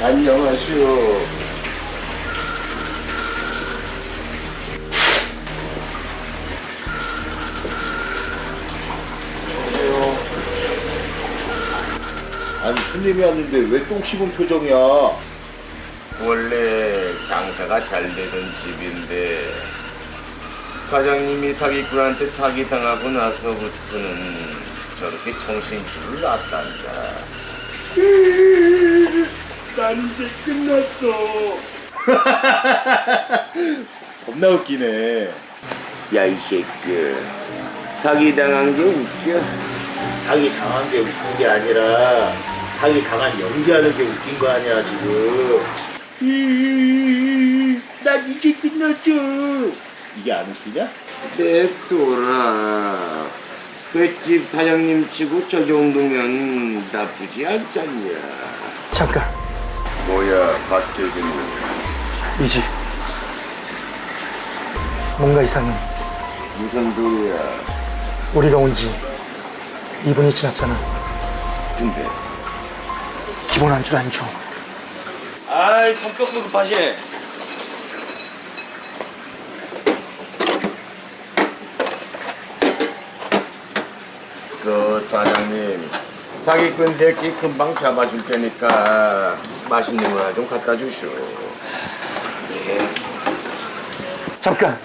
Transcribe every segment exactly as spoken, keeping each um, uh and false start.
안녕하시오. 아니 손님이 왔는데 왜 똥 씹은 표정이야? 원래 장사가 잘 되던 집인데 사장님이 사기꾼한테 사기당하고 나서부터는 저렇게 정신줄을 놨단다. 난 이제 끝났어. 겁나 웃기네. 야 이 새끼, 사기당한 게 웃겨? 사기당한 게 웃긴 게 아니라 사기당한 연기하는 게 웃긴 거 아니야 지금. 난 이제 끝났죠. 이게 안 웃기냐? 냅둬라. 횟집 사장님 치고 저 정도면 나쁘지 않잖냐. 잠깐. 뭐야, 박태진. 이 집 뭔가 이상해. 무슨 소리야? 우리가 온 지 이 분이 지났잖아. 근데 기본 안줄 안 줘. 아이 성격도 급하시네. 그 사장님, 사기꾼 새끼 금방 잡아줄 테니까 맛있는 거 하나 좀 갖다 주시오. 예. 잠깐.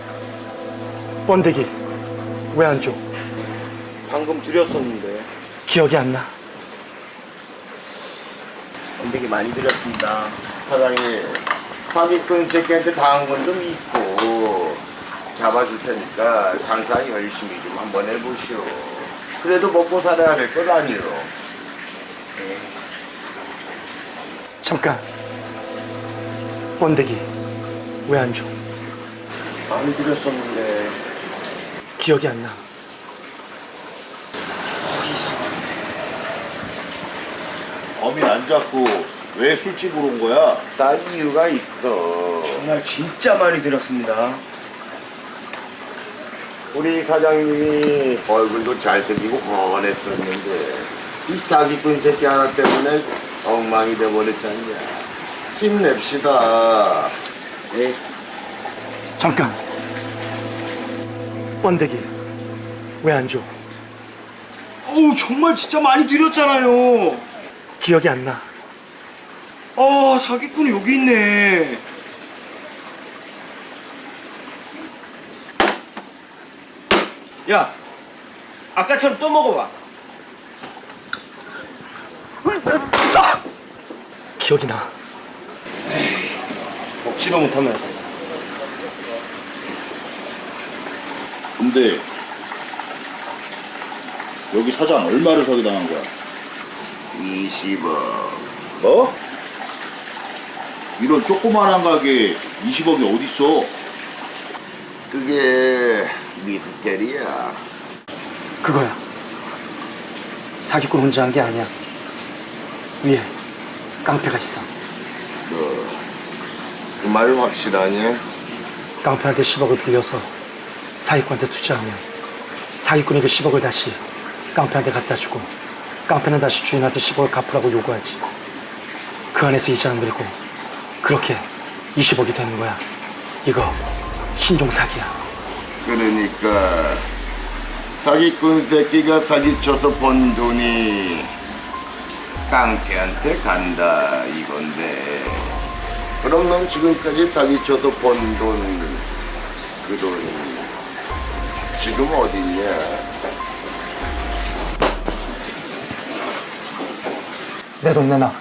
번데기 왜 안 줘? 방금 드렸었는데. 기억이 안 나. 번데기 많이 드렸습니다. 사장님, 사기꾼 새끼한테 당한 건 좀 있고 잡아줄 테니까 장사 열심히 좀 한번 해보시오. 그래도 먹고 살아야 될 것 아니오. 예. 잠깐. 번데기 왜 안 줘? 많이 드렸었는데. 기억이 안 나. 범인 안 잡고 왜 술집으로 온 거야? 딴 이유가 있어. 정말 진짜 많이 드렸습니다. 우리 사장님이 얼굴도 잘생기고 건했었는데 이 사기꾼 새끼 하나 때문에 엉망이 돼버렸잖냐. 힘냅시다. 네. 잠깐. 번데기 왜 안 줘? 어우 정말 진짜 많이 드렸잖아요. 기억이 안 나. 아 사기꾼이 여기 있네. 야 아까처럼 또 먹어봐. 기억이 나. 먹지도 못하면. 근데 여기 사장 얼마를 사기당한 거야? 이십억. 뭐? 이런 조그만한 가게 이십억이 어딨어? 그게 미스테리야. 그거야. 사기꾼 혼자 한 게 아니야. 위에 깡패가 있어. 그 말 확실하냐? 깡패한테 십억을 빌려서 사기꾼한테 투자하면 사기꾼이 그 십억을 다시 깡패한테 갖다 주고 깡패는 다시 주인한테 십억을 갚으라고 요구하지. 그 안에서 이자 안 들고 그렇게 이십억이 되는 거야. 이거 신종 사기야. 그러니까 사기꾼 새끼가 사기쳐서 번 돈이 깡패한테 간다 이건데, 그럼 넌 지금까지 사기쳐서 번 돈, 그 돈 지금 어딨냐? 내 돈 내놔.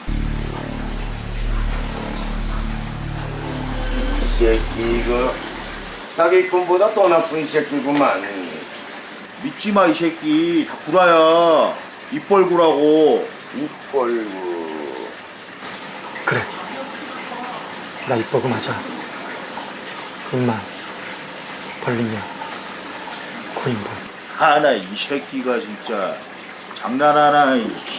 이 새끼 이거 사기꾼보다 더 나쁜 새끼구만. 믿지 마 이 새끼. 다 구라야. 입 벌구라고. 입 벌고. 그래. 나 입버그 맞아. 입만 벌리면 구인분. 하나 이 새끼가 진짜 장난하나.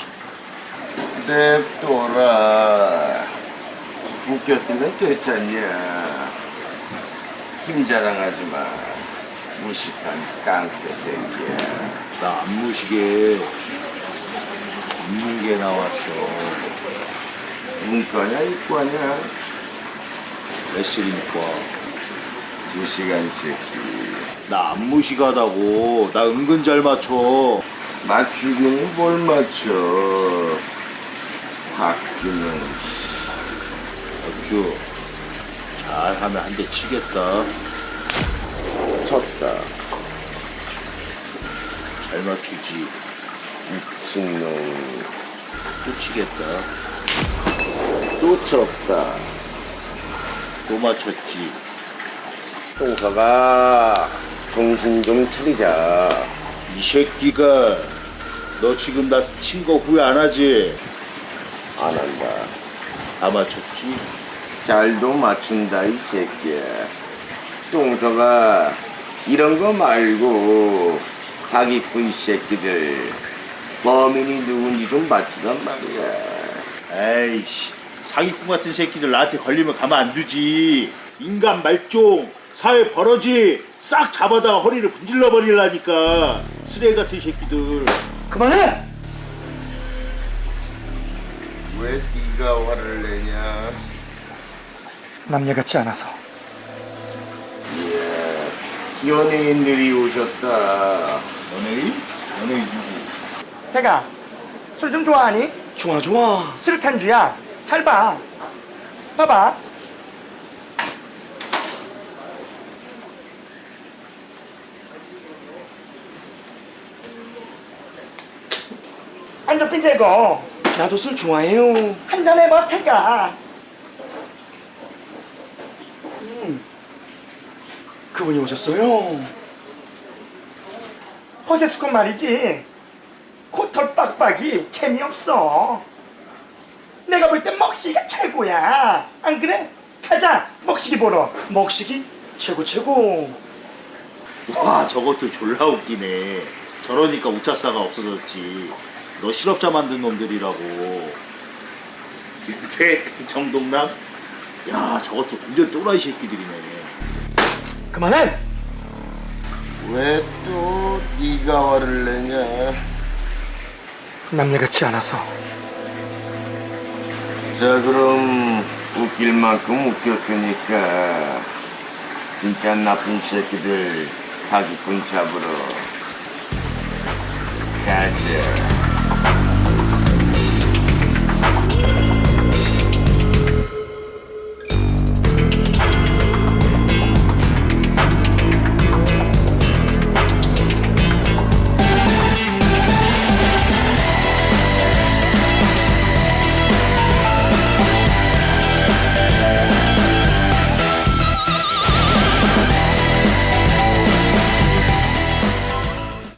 냅둬라. 웃겼으면 됐잖냐. 힘 자랑하지 마. 무식한 깡패 새끼야. 나 안 무시게. 입는 게 나왔어. 문과냐 이과냐? 레슬링과. 무시간 새끼. 나 안 무식하다고. 나 은근 잘 맞춰. 맞추기는 뭘 맞춰? 학교는 어쭈. 잘하면 한 대 치겠다. 쳤다. 잘 맞추지. 미친놈. 또 치겠다. 또 쳤다. 또 맞췄지. 동서가 정신 좀 차리자. 이 새끼가 너 지금 나 친 거 후회 안 하지? 안 한다. 다 맞췄지? 잘도 맞춘다 이 새끼야. 동서가 이런 거 말고 사기꾼 이 새끼들 범인이 누군지 좀 맞추란 말이야. 에이씨, 사기꾼 같은 새끼들 나한테 걸리면 가만 안 두지. 인간 말종, 사회 버러지 싹 잡아다가 허리를 분질러 버리려니까. 쓰레기 같은 새끼들. 그만해! 왜 네가 화를 내냐? 남녀 같지 않아서. 이야, 연예인들이 오셨다. 연예인? 연예인 누구? 태가, 술 좀 좋아하니? 좋아 좋아. 술탄주야. 잘 봐. 봐봐. 한잔 삐재고. 나도 술 좋아해요. 한잔 해봐, 태가. 그분이 오셨어요. 허세수건 말이지. 코털 빡빡이 재미없어. 내가 볼 땐 먹시기가 최고야. 안 그래? 가자, 먹시기 보러. 먹식이 최고 최고. 와, 저것도 졸라 웃기네. 저러니까 우차사가 없어졌지. 너 실업자 만든 놈들이라고. 윤택, 정동남? 야, 저것도 완전 또라이 새끼들이네. 그만해! 왜 또 네가 화를 내냐? 남녀 같지 않아서. 자, 그럼 웃길 만큼 웃겼으니까 진짜 나쁜 새끼들 사기꾼 잡으러 가자.